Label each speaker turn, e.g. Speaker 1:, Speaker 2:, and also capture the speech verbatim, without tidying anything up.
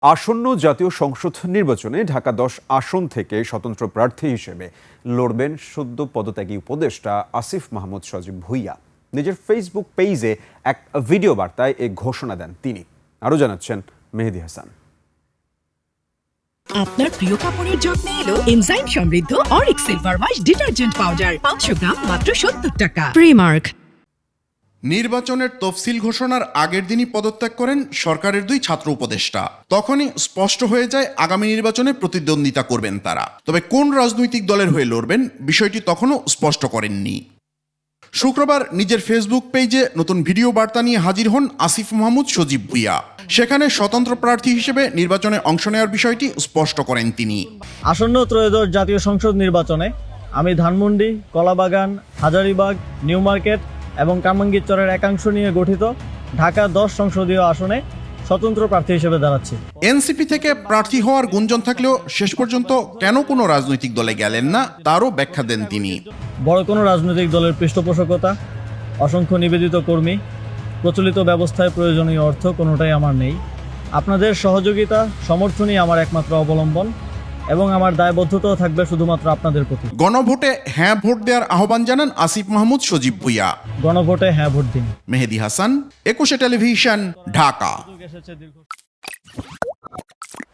Speaker 1: আসন্ন জাতীয় সংসদ নির্বাচনে ঢাকা দশ আসন থেকে স্বতন্ত্র প্রার্থী হিসেবে লড়বেন সদ্য পদত্যাগী উপদেষ্টা আসিফ মাহমুদ সজীব ভুঁইয়া। নিজের ফেসবুক পেজে এক ভিডিও বার্তায় এই ঘোষণা দেন তিনি। আরও জানাচ্ছেন মেহেদি হাসান।
Speaker 2: আপনার প্রিয় কাপড়ের যত্নে এলো এনজাইম সমৃদ্ধ অরিক সিলভার ওয়াশ ডিটারজেন্ট পাউডার পাঁচশো গ্রাম মাত্র সত্তর টাকা। প্রিমার্ক।
Speaker 3: নির্বাচনের তফসিল ঘোষণার আগের দিনই পদত্যাগ করেন সরকারের দুই ছাত্র উপদেষ্টা। তখনই স্পষ্ট হয়ে যায় আগামী নির্বাচনে প্রতিদ্বন্দ্বিতা করবেন তারা। তবে কোন রাজনৈতিক দলের হয়ে লড়বেন বিষয়টি তখনও স্পষ্ট করেননি। শুক্রবার নিজের ফেসবুক পেজে নতুন ভিডিও বার্তা নিয়ে হাজির হন আসিফ মাহমুদ সজীব ভুঁইয়া। সেখানে স্বতন্ত্র প্রার্থী হিসেবে নির্বাচনে অংশ নেওয়ার বিষয়টি স্পষ্ট করেন তিনি।
Speaker 4: আসন্ন ত্রয়োদশ জাতীয় সংসদ নির্বাচনে আমি ধানমন্ডি, কলাবাগান, হাজারীবাগ, নিউ মার্কেট এবং কামরাঙ্গীরচরের একাংশ নিয়ে গঠিত ঢাকা দশ সংসদীয় আসনে স্বতন্ত্র প্রার্থী হিসেবে দাঁড়াচ্ছি।
Speaker 3: এনসিপি থেকে প্রার্থী হওয়ার গুঞ্জন থাকলেও শেষ পর্যন্ত কেন কোনো রাজনৈতিক দলে গেলেন না তারও ব্যাখ্যা দেন তিনি।
Speaker 4: বড় কোনো রাজনৈতিক দলের পৃষ্ঠপোষকতা, অসংখ্য নিবেদিত কর্মী, প্রচলিত ব্যবস্থায় প্রয়োজনীয় অর্থ কোনোটাই আমার নেই। আপনাদের সহযোগিতা, সমর্থনই আমার একমাত্র অবলম্বন এবং আমার দায়বদ্ধতাও থাকবে শুধুমাত্র আপনাদের প্রতি।
Speaker 3: গণভোটে হ্যাঁ ভোট দেওয়ার আহ্বান জানান আসিফ মাহমুদ সজীব ভুঁইয়া।
Speaker 4: গণভোটে হ্যাঁ ভোট দিন।
Speaker 3: মেহেদি হাসান, একুশে টেলিভিশন, ঢাকা।